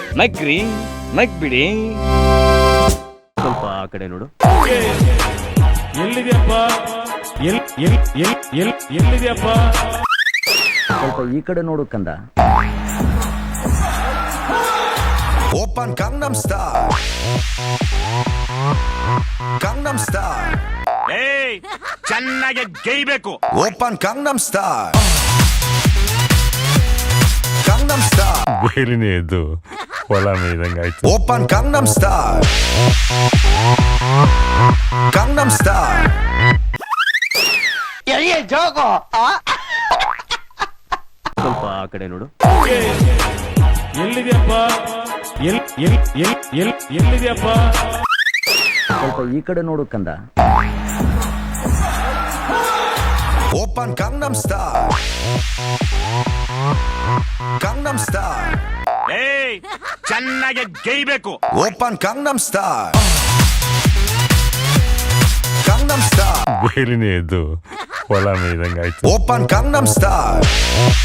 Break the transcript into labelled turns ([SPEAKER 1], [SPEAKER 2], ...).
[SPEAKER 1] ನಗ್ರಿ ನಗ್ಬಿಡಿ.
[SPEAKER 2] ಸ್ವಲ್ಪ ಆ ಕಡೆ ನೋಡು.
[SPEAKER 3] ಎಲ್ಲಿದೆಯಪ್ಪ? ಎಲ್ಲಿದೆಯಪ್ಪ?
[SPEAKER 2] ಸ್ವಲ್ಪ ಈ ಕಡೆ ನೋಡು ಕಂದ.
[SPEAKER 4] Open Gangnam style, Gangnam style.
[SPEAKER 1] ಏಯ್ ಚೆನ್ನಾಗಿ ಗೈಬೇಕು.
[SPEAKER 4] Open Gangnam style, Gangnam style.
[SPEAKER 3] ಬೇಲಿನೇ ಎದ್ದು ಹೊಲ ಮೇಯ್ದಂಗಾಯ್ತು.
[SPEAKER 4] Open Gangnam style, Gangnam style.
[SPEAKER 2] ಸ್ವಲ್ಪ ಆ ಕಡೆ ನೋಡು.
[SPEAKER 3] ಎಲ್ಲಿದೆಯಪ್ಪ? ಎಲ್ಲಿದೆಯಪ್ಪ?
[SPEAKER 2] ಸ್ವಲ್ಪ ಈ ಕಡೆ ನೋಡು ಕಂದ.
[SPEAKER 4] Open Gangnam style, Gangnam style.
[SPEAKER 1] ಏಯ್ ಚೆನ್ನಾಗಿ ಗೈಬೇಕು.
[SPEAKER 4] Open Gangnam style, Gangnam style.
[SPEAKER 3] ಬೇಲಿನೇ ಎದ್ದು ಹೊಲ ಮೇಯ್ದಂಗಾಯ್ತು.
[SPEAKER 4] Open Gangnam style,